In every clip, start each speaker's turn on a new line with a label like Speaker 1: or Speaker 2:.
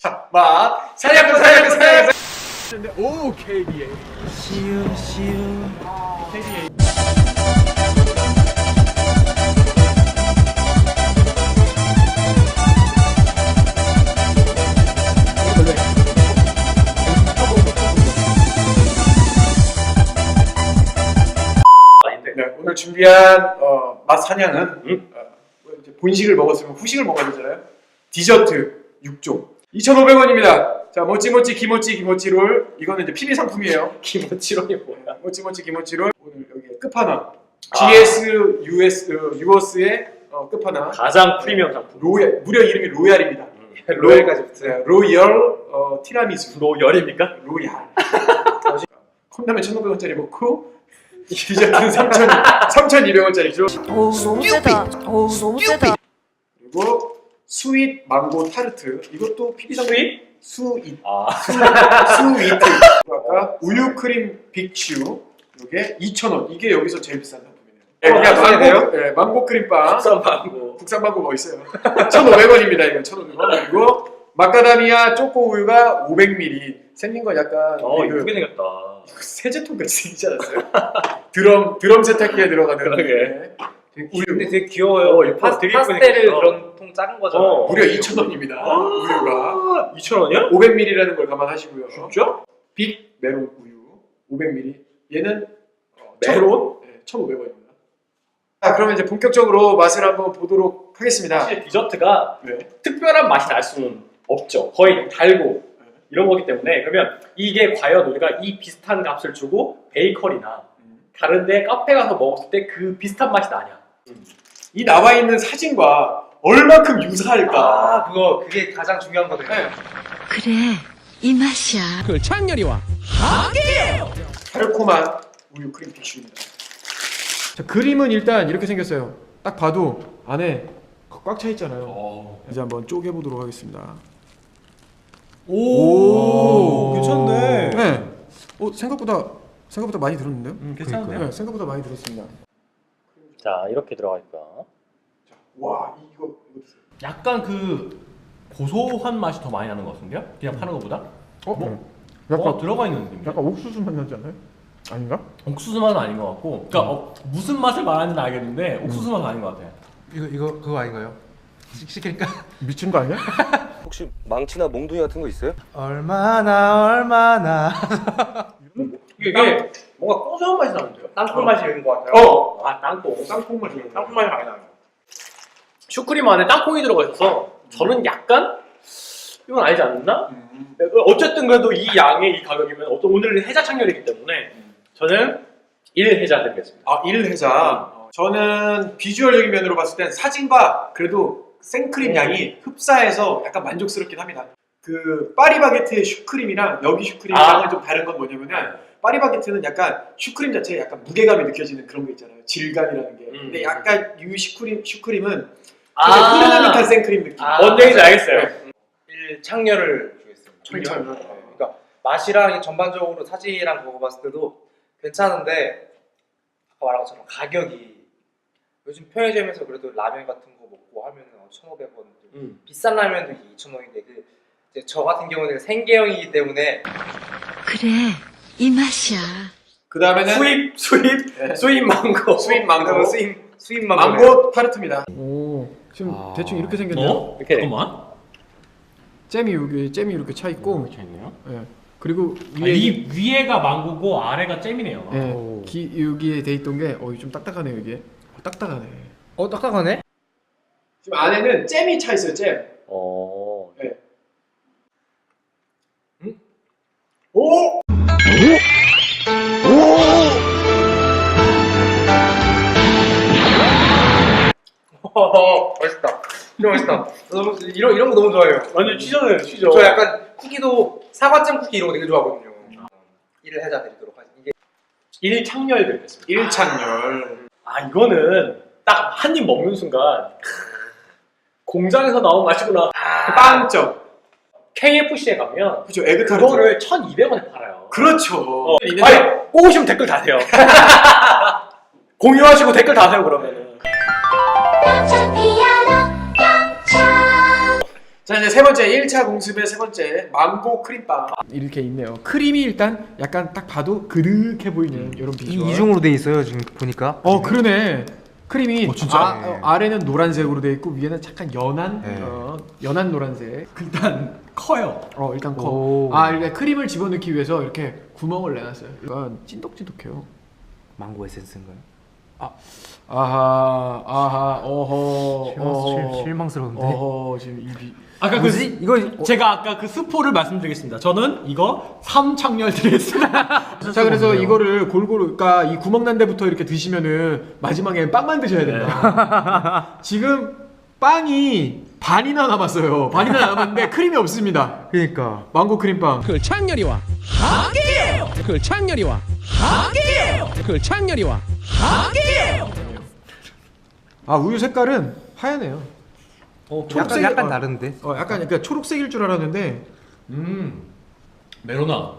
Speaker 1: 자, 맛 사냥꾼. 오, KBA. KBA. 네, 오늘 준비한 맛 사냥은 이제 본식을 먹었으면 후식을 먹어야 되잖아요. 디저트 6종 2,500원입니다. 자, 모찌모찌 기모찌 롤. 이거는 이제 PB 상품이에요.
Speaker 2: 기모찌 롤이 뭐야?
Speaker 1: 모찌모찌 기모찌 롤. 오늘 여기 끝판왕 GS 유어스의 끝판왕
Speaker 2: 가장 프리미엄 상품.
Speaker 1: 로얄, 무려 이름이 로얄입니다.
Speaker 2: 로얄까지 붙어요.
Speaker 1: 로얄 티라미수.
Speaker 2: 로열입니까?
Speaker 1: 로얄. 컵라면 1,500원짜리 먹고 디저트는 3,200원짜리죠.
Speaker 3: 어우 너무 세다. 어우 너무 세다.
Speaker 1: 그리고 스윗 망고 타르트. 이것도 PB 상품. 스윗. 아까 우유 크림 빅슈. 이게 2,000원. 이게 여기서 제일 비싼 상품이네요. 그냥 망고 크림빵. 국산 망고 뭐 있어요? 1,500원입니다. 이거 1,500원. 그리고 마카다미아 초코 우유가 500ml. 생긴 건 약간
Speaker 2: 예쁘게 생겼다.
Speaker 1: 세제통 같이 생기지 않았어요? 드럼 세탁기에 들어가는.
Speaker 2: 그러게.
Speaker 1: 우유.
Speaker 2: 근데 되게 귀여워요. 파스텔을 그런 통 작은 거잖아요.
Speaker 1: 무려 2,000원입니다. 우유가
Speaker 2: 2,000원이야?
Speaker 1: 500ml라는 걸 감안하시고요.
Speaker 2: 진짜?
Speaker 1: 빅 메론 우유 500ml. 얘는
Speaker 2: 메론?
Speaker 1: 네, 1,500원입니다. 자, 그러면 이제 본격적으로 맛을 한번 보도록 하겠습니다.
Speaker 2: 사실 디저트가
Speaker 1: 네.
Speaker 2: 특별한 맛이 날 수는 없죠. 거의 달고 이런 거기 때문에. 그러면 이게 과연 우리가 이 비슷한 값을 주고 베이커리나 다른데 카페 가서 먹었을 때 그 비슷한 맛이 나냐?
Speaker 1: 이 나와 있는 사진과 얼마큼 유사할까?
Speaker 4: 그게 가장 중요한 거거든요.
Speaker 1: 네.
Speaker 3: 그래 이 맛이야.
Speaker 5: 그 창렬이와 함께
Speaker 1: 달콤한 우유 크림 빅슈입니다. 자, 그림은 일단 이렇게 생겼어요. 딱 봐도 안에 꽉 차 있잖아요. 이제 한번 쪼개보도록 하겠습니다.
Speaker 5: 오, 괜찮네.
Speaker 1: 네. 생각보다 많이 들었는데요?
Speaker 2: 괜찮네요.
Speaker 1: 네, 생각보다 많이 들었습니다.
Speaker 2: 자, 이렇게 들어가 있다.
Speaker 1: 와, 이거 드세요.
Speaker 5: 약간 그 고소한 맛이 더 많이 나는 것 같은데요? 그냥 파는 것보다?
Speaker 1: 약간
Speaker 5: 들어가 있는 느낌.
Speaker 1: 약간 옥수수 맛 나지 않나요? 아닌가?
Speaker 5: 옥수수 맛은 아닌 것 같고, 그러니까 무슨 맛을 말하는지는 알겠는데 옥수수 맛은 아닌 것 같아요.
Speaker 4: 이거 그거 아닌가요? 시키니까
Speaker 1: 미친 거 아니야?
Speaker 6: 혹시 망치나 몽둥이 같은 거 있어요?
Speaker 4: 얼마나
Speaker 2: 이게 뭔가 고소한 맛이 나는데요? 땅콩 맛이 있는 것 같아요. 땅콩.
Speaker 1: 땅콩 맛이
Speaker 2: 땅콩 맛이 많이 나요. 슈크림 안에 땅콩이 들어가 있어서 저는 약간 이건 아니지 않나? 어쨌든 그래도 이 양의 이 가격이면 오늘은 해자 창렬이기 때문에 저는 1해자 드리겠습니다.
Speaker 1: 1해자. 저는 비주얼적인 면으로 봤을 땐 사진과 그래도 생크림 양이 흡사해서 약간 만족스럽긴 합니다. 그 파리바게트의 슈크림이랑 여기 슈크림이랑은 좀 다른 건 뭐냐면은 파리바게트는 약간 슈크림 자체에 약간 무게감이 느껴지는 그런 거 있잖아요. 질감이라는 게. 근데 약간 이 슈크림은 흐르는 듯한 생크림 느낌.
Speaker 2: 뭔 얘기인지 알겠어요.
Speaker 4: 1창렬을 주겠습니다.
Speaker 1: 창렬.
Speaker 4: 그러니까 맛이랑 전반적으로 사진이랑 그거 봤을 때도 괜찮은데 아까 말한 것처럼 가격이 요즘 편의점에서 그래도 라면 같은 거 먹고 하면은 1,500원 비싼 라면도 2,000원인데 이제 저 같은 경우는 생계형이기 때문에
Speaker 3: 그래 이 맛이야.
Speaker 1: 그 다음에는
Speaker 2: 수입 망고.
Speaker 1: 수입 망고.
Speaker 4: 수입
Speaker 1: 망고 타르트입니다. 오, 지금 대충 이렇게 생겼네요.
Speaker 2: 이렇게.
Speaker 5: 잠깐만.
Speaker 1: 잼이 이렇게 차 있고.
Speaker 5: 이렇게 있네요.
Speaker 1: 네. 그리고
Speaker 5: 이 위에가 망고고 아래가 잼이네요.
Speaker 1: 네. 여기에 돼 있던 게 좀 딱딱하네요 이게. 딱딱하네.
Speaker 4: 딱딱하네?
Speaker 1: 지금 안에는 잼이 차 있어요. 잼. 네. 오!
Speaker 4: 맛있다. 진짜 맛있다. 너무 이런 거 너무 좋아해요.
Speaker 2: 완전 취저네요, 취저.
Speaker 4: 저 약간 쿠키도 사과잼 쿠키 이런 거 되게 좋아하거든요. 1해자 드리도록 하겠습니다.
Speaker 2: 1창렬 드리겠습니다.
Speaker 1: 1창렬.
Speaker 2: 이거는 딱 한 입 먹는 순간 공장에서 나온 맛이구나.
Speaker 1: 빵점.
Speaker 2: KFC에 가면
Speaker 1: 그죠, 에그타르트.
Speaker 2: 그거를 1,200원에 팔아요.
Speaker 1: 그렇죠.
Speaker 2: 뽑으시면 댓글 다세요. 공유하시고 댓글 다세요 그러면은.
Speaker 1: 자 이제 세 번째 1차 공습의 세 번째 망고 크림빵
Speaker 7: 이렇게 있네요. 크림이 일단 약간 딱 봐도 그득해 보이는 이런 비주얼.
Speaker 4: 이중으로 돼 있어요 지금 보니까.
Speaker 7: 그러네. 크림이
Speaker 4: 진짜?
Speaker 7: 아래는 노란색으로 돼 있고 위에는 약간 연한
Speaker 4: 네.
Speaker 7: 연한 노란색.
Speaker 5: 일단 커요.
Speaker 7: 일단
Speaker 4: 오.
Speaker 7: 이렇게 크림을 집어넣기 위해서 이렇게 구멍을 내놨어요. 약간 찐득찐득해요.
Speaker 4: 망고 에센스인가요?
Speaker 7: 어허.
Speaker 4: 실망스러운데.
Speaker 7: 지금 입이.
Speaker 5: 아까
Speaker 4: 뭐지? 이거
Speaker 5: 제가 아까 그 스포를 말씀드리겠습니다. 저는 이거 3창렬 드리겠습니다.
Speaker 7: 자 그래서 이거를 골고루 그러니까 이 구멍 난 데부터 이렇게 드시면은 마지막에 빵만 드셔야 된다. 지금 빵이 반이나 남았어요. 반이나 남았는데 크림이 없습니다.
Speaker 4: 그러니까.
Speaker 7: 망고 크림빵.
Speaker 8: 그 창렬이와 하게요. 그 창렬이와 하게요. 그 창렬이와 하게요.
Speaker 7: 우유 색깔은 하얘네요.
Speaker 4: 약간 다른데.
Speaker 7: 약간 그러니까 초록색일 줄 알았는데
Speaker 5: 메로나.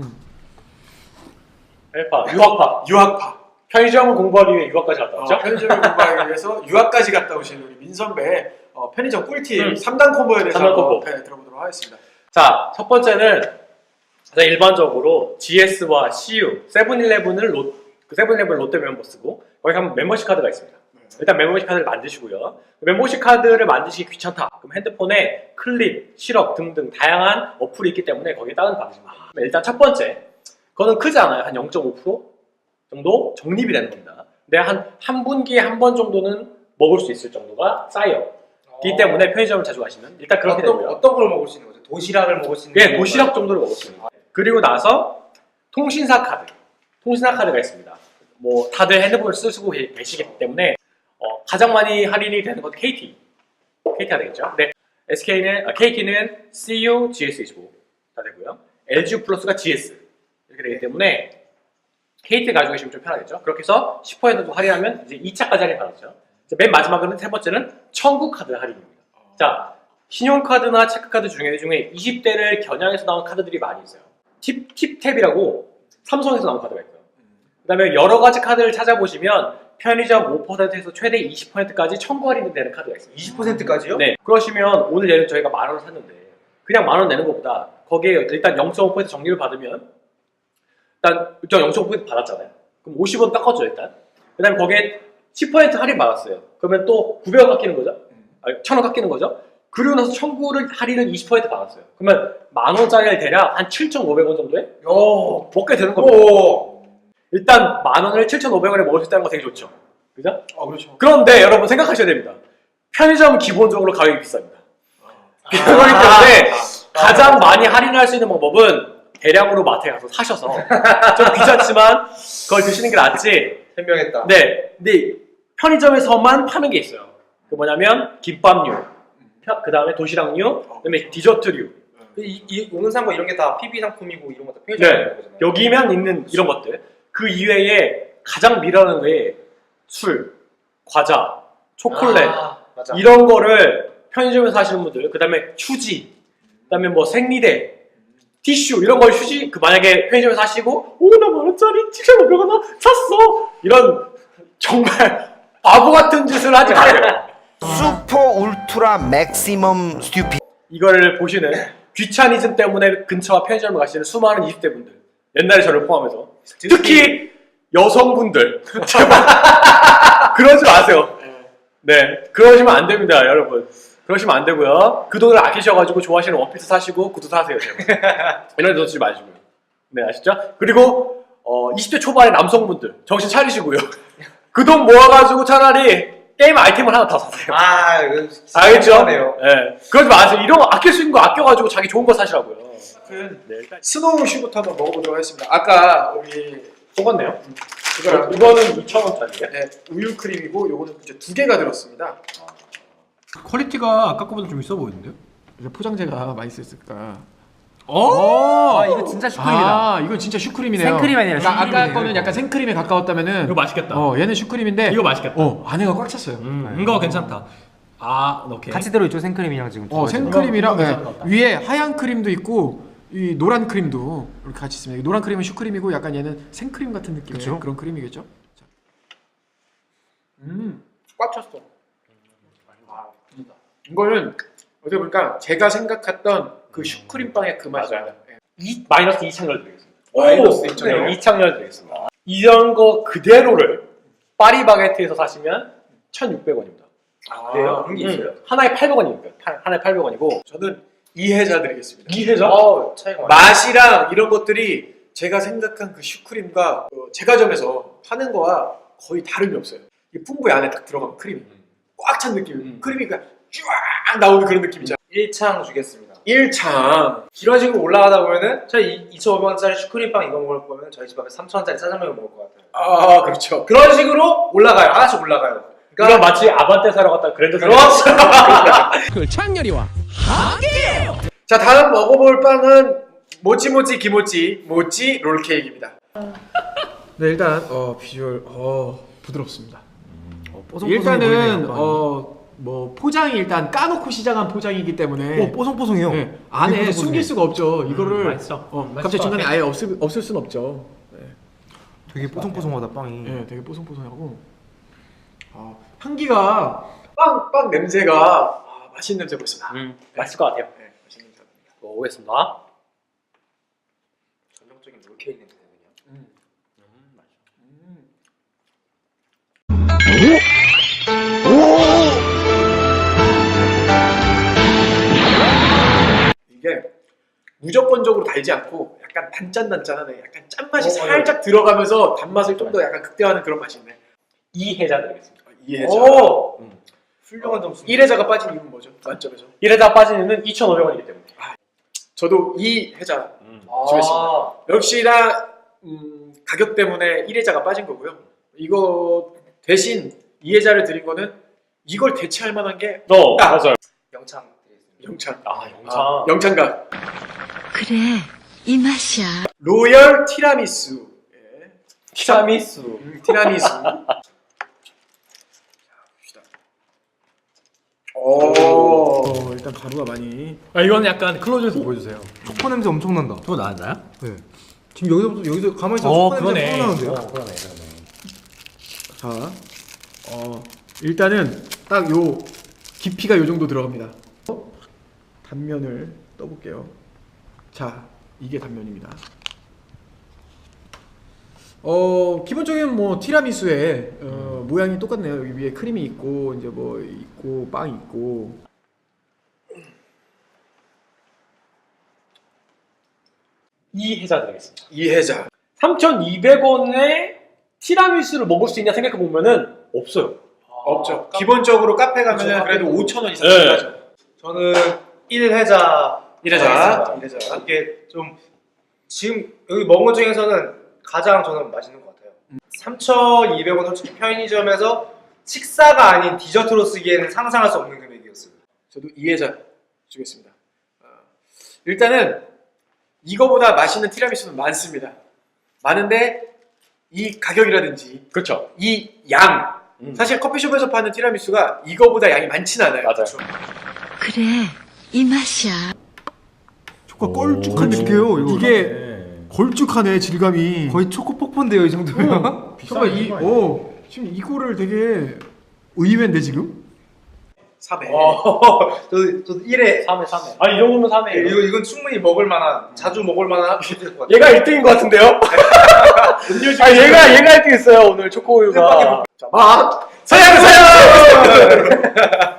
Speaker 2: 헬파, 유학파. 편의점을 공부하기 위해 유학까지 갔다 왔죠?
Speaker 1: 편의점을 공부하기 위해서 유학까지 갔다 오신 우리 민 선배 편의점 꿀팁 3단 콤보에 대해서
Speaker 2: 3단
Speaker 1: 한번
Speaker 2: 콤보.
Speaker 1: 들어보도록 하겠습니다.
Speaker 2: 자, 첫 번째는 일반적으로 GS와 CU, 세븐일레븐을 세븐일레븐 롯데 멤버스고 거기 가면 멤버십 카드가 있습니다. 일단 멤버십 카드를 만드시고요. 멤버십 카드를 만드시기 귀찮다. 그럼 핸드폰에 클립, 시럽 등등 다양한 어플이 있기 때문에 거기에 다운받으시면 됩니다. 일단 첫 번째, 그거는 크지 않아요. 한 0.5% 정도 적립이 되는 겁니다. 근데 한 분기에 한 번 정도는 먹을 수 있을 정도가 쌓여. 기 때문에 편의점을 자주 가시면 일단 그렇게 되고요.
Speaker 4: 어떤 걸 먹을 수 있는 거죠? 도시락을 먹을 수 있는
Speaker 2: 예, 도시락 정도를 먹을 수 있는 거예요. 그리고 나서 통신사 카드가 있습니다. 뭐 다들 핸드폰을 쓰고 계시기 때문에 가장 많이 할인이 되는 것도 KT가 되겠죠. 근데 KT는 CU, GS25 다 되고요. LG 플러스가 GS 이렇게 되기 때문에 KT 가지고 계시면 좀 편하겠죠. 그렇게 해서 10%도 할인하면 이제 2차까지 할인 받았죠. 맨 마지막으로는 세 번째는 청구 카드 할인입니다. 자, 신용카드나 체크카드 중에 20대를 겨냥해서 나온 카드들이 많이 있어요. 팁탭이라고 삼성에서 나온 카드가 있고요. 그 다음에 여러 가지 카드를 찾아보시면 편의점 5%에서 최대 20%까지 청구 할인이 되는 카드가 있어요.
Speaker 4: 20%까지요?
Speaker 2: 네. 그러시면 오늘 예를 저희가 10,000원을 샀는데 그냥 10,000원 내는 것보다 거기에 일단 0.5% 정리를 받으면 일단 0.5% 받았잖아요. 그럼 50원 깎아줘 일단. 그 다음에 거기에 10% 할인 받았어요. 그러면 또 900원 깎이는 거죠? 1,000원 깎이는 거죠? 그리고 나서 청구를 할인을 20% 받았어요. 그러면 10,000원짜리를 대략 한 7,500원 정도에 먹게 되는 겁니다. 일단 10,000원을 7,500원에 먹을 수 있다는 거 되게 좋죠. 그죠?
Speaker 1: 그렇죠.
Speaker 2: 그런데 여러분 생각하셔야 됩니다. 편의점은 기본적으로 가격이 비쌉니다. 그렇기 때문에 가장 많이 할인할 수 있는 방법은 대량으로 마트에 가서 사셔서 좀 귀찮지만 그걸 드시는 게 낫지.
Speaker 4: 현명했다.
Speaker 2: 네, 근데 편의점에서만 파는 게 있어요. 그 뭐냐면 김밥류, 그 다음에 도시락류, 그 다음에 디저트류.
Speaker 4: 오늘 산 거 이런 게 다 PB 상품이고 이런 것도 편의점에
Speaker 2: 네,
Speaker 4: 있는 거잖아요.
Speaker 2: 여기면 있는 이런 것들. 그 이외에 가장 미라는 게 술, 과자, 초콜릿
Speaker 4: 맞아.
Speaker 2: 이런 거를 편의점에서 하시는 분들, 그 다음에 휴지, 그 다음에 뭐 생리대, 티슈 이런 걸 만약에 편의점에서 하시고 나 10,000원짜리 7,500원 샀어 이런 정말 바보 같은 짓을 하지 마세요.
Speaker 9: 슈퍼 울트라 맥시멈 스튜피
Speaker 2: 이거를 보시는 귀차니즘 때문에 근처와 편의점을 가시는 수많은 20대 분들, 옛날에 저를 포함해서 특히 여성분들 제발 그러지 마세요. 네, 그러시면 안 됩니다, 여러분. 그러시면 안 되고요. 그 돈을 아끼셔가지고 좋아하시는 원피스 사시고 구두 사세요, 제발. 이런 데 넣지 마시고요. 네, 아시죠? 그리고 20대 초반의 남성분들 정신 차리시고요. 그 돈 모아가지고 차라리 게임 아이템을 하나 더 사세요.
Speaker 4: 이거 진짜
Speaker 2: 알겠죠?
Speaker 4: 심하네요.
Speaker 2: 네, 그러지 마세요. 이런 거 아낄 수 있는 거 아껴가지고 자기 좋은 거 사시라고요. 네, 일단
Speaker 1: 스노우 슈부터 한번 먹어보도록 하겠습니다. 아까 우리
Speaker 2: 속았네요.
Speaker 1: 이거는
Speaker 2: 2,000원짜리예요.
Speaker 1: 네, 우유 크림이고 요거는 이제 2개가 들었습니다.
Speaker 5: 퀄리티가 아까 거보다 좀 있어 보이는데요?
Speaker 7: 이제 포장재가 맛있었을까?
Speaker 4: 이거 진짜 슈크림이다.
Speaker 7: 이건 진짜 슈크림이네요.
Speaker 4: 생크림 아니라
Speaker 7: 그러니까 아까
Speaker 4: 슈크림이네요,
Speaker 7: 거는
Speaker 4: 이거.
Speaker 7: 약간 생크림에 가까웠다면은
Speaker 5: 이거 맛있겠다.
Speaker 7: 얘는 슈크림인데
Speaker 5: 이거 맛있겠다.
Speaker 7: 안에가 꽉 찼어요.
Speaker 5: 이거 괜찮다. 오케이.
Speaker 4: 같이 들어있죠 생크림이랑 지금.
Speaker 7: 생크림이랑
Speaker 5: 이거 괜찮은 것 같다.
Speaker 7: 위에 하얀 크림도 있고 이 노란 크림도 이렇게 같이 있습니다. 노란 크림은 슈크림이고 약간 얘는 생크림 같은 느낌의
Speaker 4: 그쵸?
Speaker 7: 그런 크림이겠죠? 자.
Speaker 1: 꽉 찼어. 이거는 어떻게 보니까 제가 생각했던 그 슈크림빵의 그 맛이에요.
Speaker 2: 마이너스 2창렬 드리겠습니다.
Speaker 1: 마이너스 2창렬?
Speaker 2: 네, 2창렬 드리겠습니다. 이런 거 그대로를 파리바게트에서 사시면 1,600원입니다.
Speaker 4: 그래요? 그런 게 있어요.
Speaker 2: 하나에 800원입니다. 하나에 800원이고
Speaker 1: 저는 이해자 드리겠습니다.
Speaker 2: 이해자?
Speaker 4: 차이가 많아요.
Speaker 1: 맛이랑 이런 것들이 제가 생각한 그 슈크림과 제과점에서 파는 거와 거의 다름이 없어요. 이 풍부에 안에 딱 들어가면 크림이 꽉 찬 느낌. 크림이 그냥 쫙 나오는 그런 느낌이잖아.
Speaker 4: 1창 주겠습니다.
Speaker 1: 1창.
Speaker 4: 이런 식으로 올라가다 보면은 저희 2,500원짜리 슈크림빵 이거 먹을 거면 저희 집 앞에 3,000원짜리 짜장면을 먹을 것 같아요.
Speaker 1: 아, 그렇죠.
Speaker 4: 그런 식으로 올라가요. 하나씩 올라가요.
Speaker 2: 그러니까 마치 아반떼 사러 갔다 그랜드 사러
Speaker 8: 그 창렬이와
Speaker 1: 자, 다음 먹어볼 빵은 모찌모찌 기모찌 모찌 롤케이크입니다.
Speaker 7: 네, 일단 비주얼 부드럽습니다.
Speaker 5: 뽀송뽀송해
Speaker 7: 일단은
Speaker 5: 보이네요,
Speaker 7: 뭐 포장이 일단 까놓고 시작한 포장이기 때문에
Speaker 5: 뽀송뽀송해요.
Speaker 7: 네, 안에
Speaker 5: 뽀송뽀송해.
Speaker 7: 숨길 수가 없죠. 이거를
Speaker 5: 맛있어. 맛있을
Speaker 7: 갑자기
Speaker 5: 것
Speaker 7: 중간에
Speaker 5: 같아.
Speaker 7: 아예 없을 수는 없죠. 네.
Speaker 5: 되게 뽀송뽀송하다 빵이.
Speaker 7: 네, 되게 뽀송뽀송하고 향기가
Speaker 1: 빵 냄새가 맛있는 냄새 벌써 나.
Speaker 2: 맛있을 것 같아요.
Speaker 1: 네, 맛있는 냄새 납니다.
Speaker 2: 먹어보겠습니다.
Speaker 4: 전형적인 롤케이크 냄새거든요.
Speaker 1: 이게 무조건적으로 달지 않고 약간 단짠단짠하네. 약간 짠맛이 살짝 들어가면서 단맛을 좀 더 약간 극대화하는 그런 맛이 있네.
Speaker 2: 이해자 드리겠습니다.
Speaker 1: 이해자.
Speaker 4: 훌륭한 점수.
Speaker 1: 1회자가 빠진 이유는 뭐죠? 만점에서?
Speaker 2: 1회자 빠진 이유는 2,500원이기 때문에.
Speaker 1: 저도 2회자 주겠습니다. 역시나 가격 때문에 1회자가 빠진 거고요. 이거 대신 2회자를 드린 거는 이걸 대체할 만한 게
Speaker 2: 맞아요.
Speaker 4: 영창 드리겠습니다.
Speaker 1: 영창.
Speaker 2: 영창.
Speaker 1: 영창가.
Speaker 3: 그래, 이 맛이야.
Speaker 1: 로열 티라미수. 예.
Speaker 2: 티라미수.
Speaker 1: 티라미수. 오.
Speaker 7: 일단 가루가 많이
Speaker 5: 이건 약간 클로즈에서 보여주세요.
Speaker 10: 초코 냄새 엄청 난다.
Speaker 5: 또 나왔나요?
Speaker 10: 네. 지금 여기서 가만히 있어 초코 냄새 뿜 나는데요.
Speaker 5: 그러네.
Speaker 7: 자, 일단은 딱 요 깊이가 요 정도 들어갑니다. 단면을 떠볼게요. 자, 이게 단면입니다. 기본적인 뭐 티라미수의 모양이 똑같네요. 여기 위에 크림이 있고 이제 뭐 있고 빵이 있고.
Speaker 2: 이해자 드리겠습니다.
Speaker 1: 2회자.
Speaker 2: 3,200원에 티라미수를 먹을 수 있냐 생각해 보면은 없어요.
Speaker 1: 없죠. 기본적으로 카페 가면은 그래도 5,000원 이상
Speaker 2: 네.
Speaker 1: 들어가죠.
Speaker 4: 저는 1회자.
Speaker 1: 1회자.
Speaker 4: 이게 좀 지금 여기 먹은 것 중에서는 가장 저는 맛있는 것 같아요. 3,200원 솔직히 편의점에서 식사가 아닌 디저트로 쓰기에는 상상할 수 없는 금액이었어요.
Speaker 1: 저도 2회자 주겠습니다. 일단은 이거보다 맛있는 티라미수는 많습니다. 많은데 이 가격이라든지
Speaker 2: 그렇죠.
Speaker 1: 이 양. 사실 커피숍에서 파는 티라미수가 이거보다 양이 많지는 않아요.
Speaker 2: 맞아요.
Speaker 3: 그래, 이 맛이야.
Speaker 10: 초코 걸쭉한 느낌이에요. 이거.
Speaker 7: 이게 걸쭉하네 질감이.
Speaker 10: 거의 초코 폭포인데요 이 정도면.
Speaker 7: 잠깐 지금 이거를 되게 의외인데 지금?
Speaker 1: 3회.
Speaker 4: 저도 1회.
Speaker 2: 3회. 아니 이 정도면 3회예요.
Speaker 4: 이건 충분히 먹을 만한, 자주 먹을 만한 것 같아요.
Speaker 2: 얘가 1등인 것 같은데요? 얘가 1등 했어요 오늘 초코우유가.
Speaker 1: 자, 맛! 서양!